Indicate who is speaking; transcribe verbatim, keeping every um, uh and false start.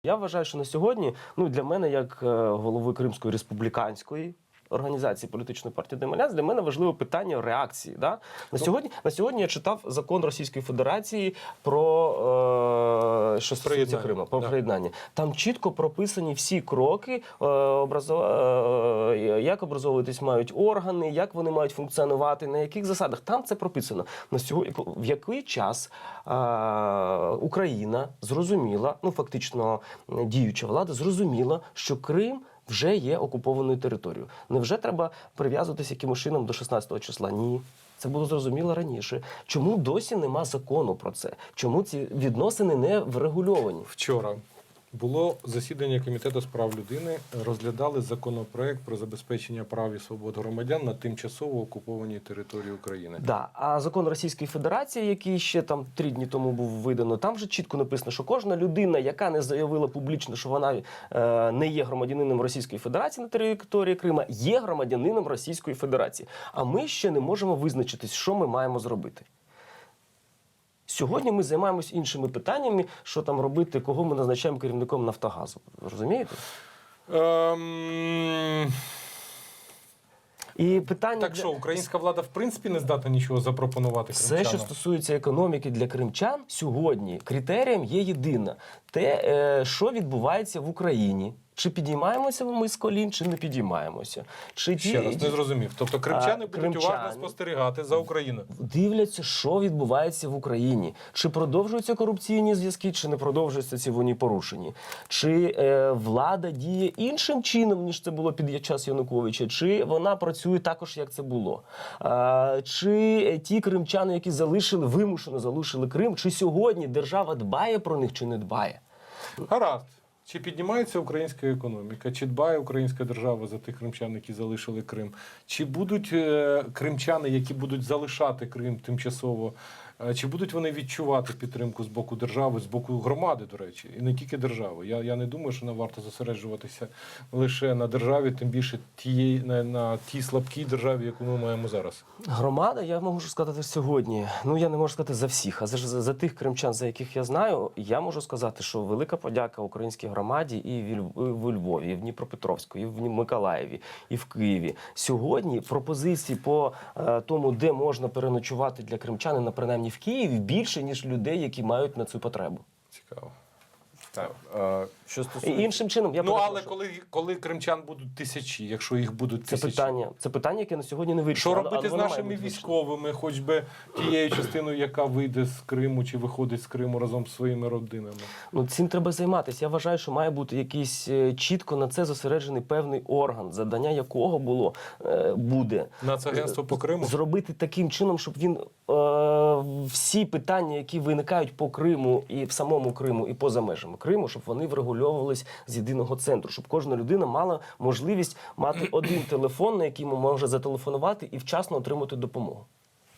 Speaker 1: Я вважаю, що на сьогодні, ну для мене, як е, голови Кримської республіканської організації політичної партії Демоляц, для мене важливе питання реакції. Да? На сьогодні, на сьогодні я читав закон Російської Федерації про е, що стосується Криму, про
Speaker 2: да.
Speaker 1: приєднання. Там чітко прописані всі кроки, е, образов... е, як образовуватись мають органи, як вони мають функціонувати, на яких засадах. Там це прописано. На сьогодні, в який час е, Україна зрозуміла, ну фактично діюча влада зрозуміла, що Крим вже є окупованою територією. Невже треба прив'язуватися якимось чином до шістнадцятого числа? Ні. Це було зрозуміло раніше. Чому досі нема закону про це? Чому ці відносини не врегульовані?
Speaker 2: Вчора було засідання Комітету з прав людини, розглядали законопроект про забезпечення прав і свобод громадян на тимчасово окупованій території України.
Speaker 1: Да. А закон Російської Федерації, який ще там три дні тому був видано, там вже чітко написано, що кожна людина, яка не заявила публічно, що вона е, не є громадянином Російської Федерації на території Крима, є громадянином Російської Федерації. А ми ще не можемо визначитись, що ми маємо зробити. Сьогодні ми займаємось іншими питаннями, що там робити, кого ми назначаємо керівником Нафтогазу. Розумієте?
Speaker 2: Ем...
Speaker 1: І питання
Speaker 2: Так
Speaker 1: для...
Speaker 2: що, українська влада в принципі не здатна нічого запропонувати кримчанам?
Speaker 1: Все, що стосується економіки для кримчан, сьогодні критерієм є єдине. Те, е, що відбувається в Україні. Чи підіймаємося ми з колін, чи не підіймаємося. Чи
Speaker 2: Ще
Speaker 1: ті...
Speaker 2: раз, не зрозумів. Тобто кримчани
Speaker 1: А,
Speaker 2: будуть
Speaker 1: кримчани
Speaker 2: уважно спостерігати за Україною?
Speaker 1: Дивляться, що відбувається в Україні. Чи продовжуються корупційні зв'язки, чи не продовжуються ці вони порушені. Чи е, влада діє іншим чином, ніж це було під час Януковича, чи вона працює також, як це було. А, чи ті кримчани, які залишили, вимушено залишили Крим, чи сьогодні держава дбає про них, чи не дбає?
Speaker 2: Гаразд. Чи піднімається українська економіка, чи дбає українська держава за тих кримчан, які залишили Крим? Чи будуть е, кримчани, які будуть залишати Крим тимчасово, е, чи будуть вони відчувати підтримку з боку держави, з боку громади, до речі, і не тільки держави? Я, я не думаю, що нам варто зосереджуватися лише на державі, тим більше тієї, на, на тій слабкій державі, яку ми маємо зараз.
Speaker 1: Громада, я можу сказати сьогодні, ну я не можу сказати за всіх, а за, за, за тих кримчан, за яких я знаю, я можу сказати, що велика подяка українській громаді і в Львові, і в Дніпропетровську, і в Миколаєві, і в Києві. Сьогодні пропозицій по е, тому, де можна переночувати для кримчанина, принаймні в Києві, більше, ніж людей, які мають на цю потребу.
Speaker 2: Цікаво.
Speaker 3: Так, е, що
Speaker 1: І
Speaker 3: стосується...
Speaker 1: іншим чином, я
Speaker 2: Ну,
Speaker 1: перепрошую.
Speaker 2: але коли, коли кримчан будуть тисячі, якщо їх будуть
Speaker 1: Це
Speaker 2: тисячі?
Speaker 1: питання, це питання, яке на сьогодні не вирішено.
Speaker 2: Що робити
Speaker 1: але
Speaker 2: з
Speaker 1: воно має
Speaker 2: нашими
Speaker 1: бути
Speaker 2: військовими, хоч би тією частиною, яка вийде з Криму чи виходить з Криму разом з своїми родинами?
Speaker 1: Ну, цим треба займатися. Я вважаю, що має бути якийсь е, чітко на це зосереджений певний орган, завдання якого було, е, буде.
Speaker 2: Нацагентство по Криму?
Speaker 1: Зробити таким чином, щоб він е, всі питання, які виникають по Криму і в самому Криму, і поза межами Криму, щоб вони врегульовувались з єдиного центру, щоб кожна людина мала можливість мати один телефон, на який може зателефонувати і вчасно отримати допомогу.